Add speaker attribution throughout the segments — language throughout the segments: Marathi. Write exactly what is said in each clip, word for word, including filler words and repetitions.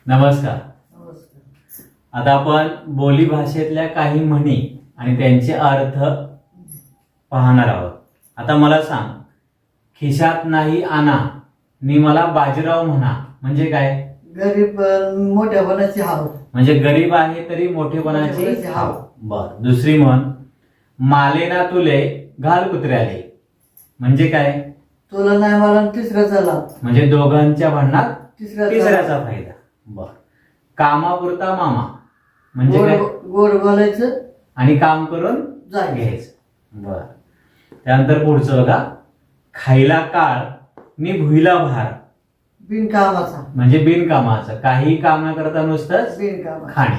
Speaker 1: नमस्कार.
Speaker 2: नमस्कार.
Speaker 1: आता आपण बोली भाषेतल्या काही म्हणी आणि त्यांचे अर्थ पाहणार आहोत. आता मला सांग, खिशात नाही आणा नि मला बाजीराव म्हणा म्हणजे काय?
Speaker 2: गरीब अं, मोठ्यापणाची हाव.
Speaker 1: म्हणजे गरीब आहे तरी मोठेपणाची
Speaker 2: मोठेपणाची हाव.
Speaker 1: बर. दुसरी म्हण, माले ना तुले घाल कुत्र्याले म्हणजे काय?
Speaker 2: तुला नाही मला तिसऱ्याचा लाभ.
Speaker 1: म्हणजे दोघांच्या भांडणात
Speaker 2: तिसऱ्याचा
Speaker 1: तिसऱ्याचा फायदा. बर. कामापुरता मामा म्हणजे काय?
Speaker 2: गोड गोड बोलायचं
Speaker 1: आणि काम करून
Speaker 2: जायचं.
Speaker 1: घ्यायचं. बर. त्यानंतर पुढचं बघा, खायला काळ नि भुईला भार
Speaker 2: बिनकामाचा.
Speaker 1: म्हणजे बिनकामाचं, काही काम न करता नुसतंच
Speaker 2: बिनकामाचा.
Speaker 1: खाणे.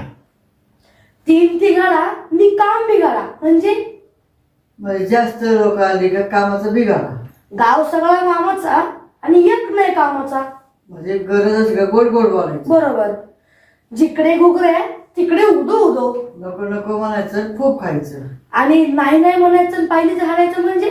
Speaker 3: तीन तिघाडा नि काम बिघाडा म्हणजे
Speaker 2: म्हणजे जास्त लोक आली का कामाचा बिघाडा.
Speaker 3: गाव सगळा कामाचा आणि एक नाही कामाचा.
Speaker 2: म्हणजे गरजच का गोड गोड बोलायचं.
Speaker 3: बरोबर. जिकडे घुगरे तिकडे उदो उदो.
Speaker 2: नको नको म्हणायचं, खूप खायचं.
Speaker 3: आणि नाही नाही म्हणायचं आणि पाहिजे झाडायचं म्हणजे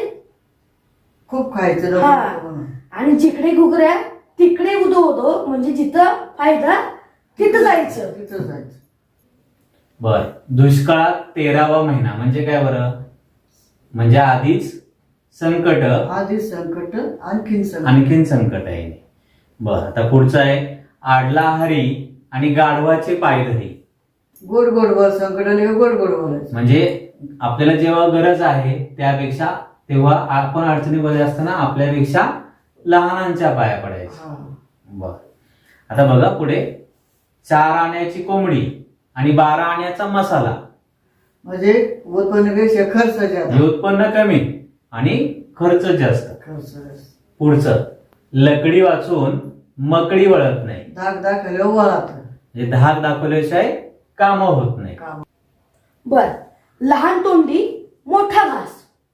Speaker 2: खूप खायचं. नको
Speaker 3: हा.
Speaker 2: नको म्हणून.
Speaker 3: आणि जिकडे घुगऱ्या तिकडे उदो उदो म्हणजे जिथं फायदा तिथं जायचं.
Speaker 2: तिथं जायचं.
Speaker 1: बर. दुष्काळात तेरावा महिना म्हणजे काय बरं? म्हणजे आधीच संकट,
Speaker 2: आधी संकट आणखीन संकट.
Speaker 1: आणखीन संकट आहे. बर. आता पुढचं आहे, आडला हरी आणि गाढवाचे पाय धरी
Speaker 2: गोड गोड बोल. संकट आले का गोड गोड बोलायचं.
Speaker 1: म्हणजे आपल्याला जेव्हा गरज आहे त्यापेक्षा तेव्हा आपण अडचणीमध्ये असताना आपल्यापेक्षा लहानांच्या पाया पडायचं.
Speaker 2: हा.
Speaker 1: बर. आता बघा पुढे, चार आण्याची कोंबडी आणि बारा आण्याचा मसाला
Speaker 2: म्हणजे उत्पन्नापेक्षा खर्च जास्त.
Speaker 1: हे उत्पन्न कमी आणि खर्च जास्त.
Speaker 2: खर्च जास्त.
Speaker 1: पुढचं, लकडी वाचून मकडी वळत नाही
Speaker 2: धाक दाखवल्या वळात.
Speaker 1: म्हणजे धाक दाखवल्याशिवाय काम होत नाही.
Speaker 2: काम.
Speaker 3: बर. लहान तोंडी मोठा घास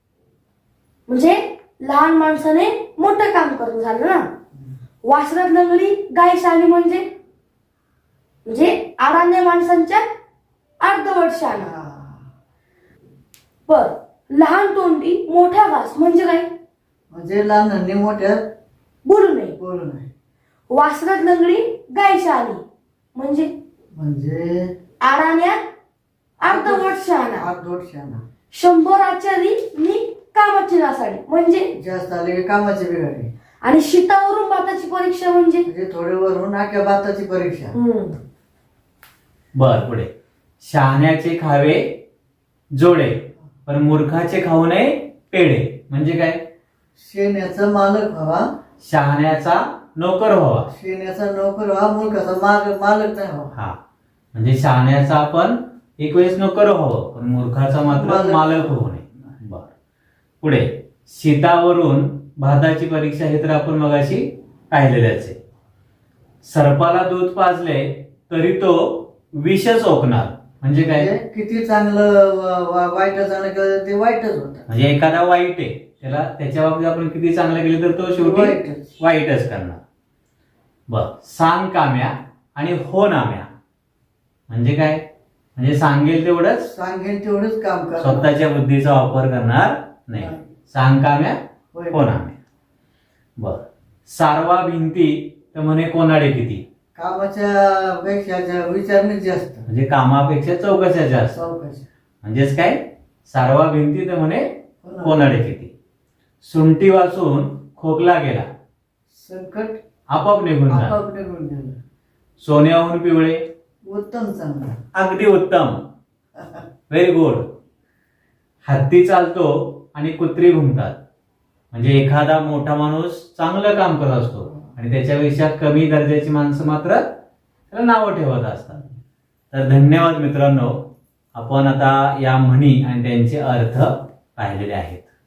Speaker 3: म्हणजे लहान माणसाने मोठं काम करून झालं ना. वासरात लंगडी गाय शाणी म्हणजे म्हणजे आडाण्या माणसांच्या अर्धवट शाणा.
Speaker 2: हा.
Speaker 3: बर. लहान तोंडी मोठा घास म्हणजे काय?
Speaker 2: म्हणजे लहानांनी मोठ्या
Speaker 3: बोलू नये.
Speaker 2: बोलू नये.
Speaker 3: वासरात लंगडी गाय शाणी म्हणजे
Speaker 2: म्हणजे
Speaker 3: आडाण्यात अर्धवट शहाणा.
Speaker 2: अर्धवट शाणा.
Speaker 3: शंभर आचारी नि कामाची नासाडी म्हणजे
Speaker 2: जास्त आले की कामाची बिघाडी.
Speaker 3: आणि शीतावरून भाताची परीक्षा म्हणजे
Speaker 2: म्हणजे थोडे वरून नाक्या भाताची परीक्षा.
Speaker 3: हम्म.
Speaker 1: बर. पुढे, शहाण्याचे खावे जोडे पण मूर्खाचे खाऊ नये पेढे म्हणजे काय?
Speaker 2: शेण्याचा मालक व्हावा.
Speaker 1: शहाण्याचा नोकर व्हावा.
Speaker 2: शेण्याचा नोकर व्हावा. मूर्खाचा मालक मालक नाही व्हावा.
Speaker 1: हा. म्हणजे शहाण्याचा आपण एक वेळेस नोकर व्हावं पण मूर्खाचा मात्र
Speaker 2: मालक.
Speaker 1: मालक होऊ नये. बर. पुढे, शीतावरून भाताची परीक्षा हे तर आपण मगाशी पाहिलेल्याच आहे. सर्पाला दूध पाजले तरी तो विषच ओकणार म्हणजे काय?
Speaker 2: म्हणजे किती चांगलं वा- वा- वाईट चांगलं केलं ते वाईटच होतं.
Speaker 1: म्हणजे एखादा वाईट आहे त्याला त्याच्या बाबतीत आपण किती चांगलं केलं तर तो शेवटी
Speaker 2: वाईटच.
Speaker 1: वाईटच करणार. बर. सांग काम्या आणि हो नाम्या म्हणजे काय? म्हणजे सांगेल तेवढंच,
Speaker 2: सांगेल तेवढंच काम करा.
Speaker 1: स्वतःच्या बुद्धीचा वापर करणार नाही.
Speaker 2: नाही.
Speaker 1: सांग काम्या
Speaker 2: होय.
Speaker 1: हो नाम्या. बर. सारवा भिंती तर म्हणे कोणाडे किती
Speaker 2: कामाच्या पेक्षा जा- विचारणेच जास्त.
Speaker 1: म्हणजे कामापेक्षा चौकशा जास्त.
Speaker 2: चौकशी.
Speaker 1: म्हणजेच काय? सारवा भिंती तर म्हणे
Speaker 2: कोणाडे.
Speaker 1: कोणाडे किती. सुंटी वाचून खोकला गेला
Speaker 2: संकट
Speaker 1: आपोआप निघून जा.
Speaker 2: आपाप निघून गेलं.
Speaker 1: सोन्याहून पिवळे
Speaker 2: उत्तम चांगलं.
Speaker 1: अगदी उत्तम. Very good. हत्ती चालतो आणि कुत्री घुमतात म्हणजे एखादा मोठा माणूस चांगलं काम करत असतो आणि त्याच्यापेक्षा कमी दर्जाची माणसं मात्र त्याला नावं ठेवत असतात. तर धन्यवाद मित्रांनो, आपण आता या म्हणी आणि त्यांचे अर्थ पाहिलेले आहेत.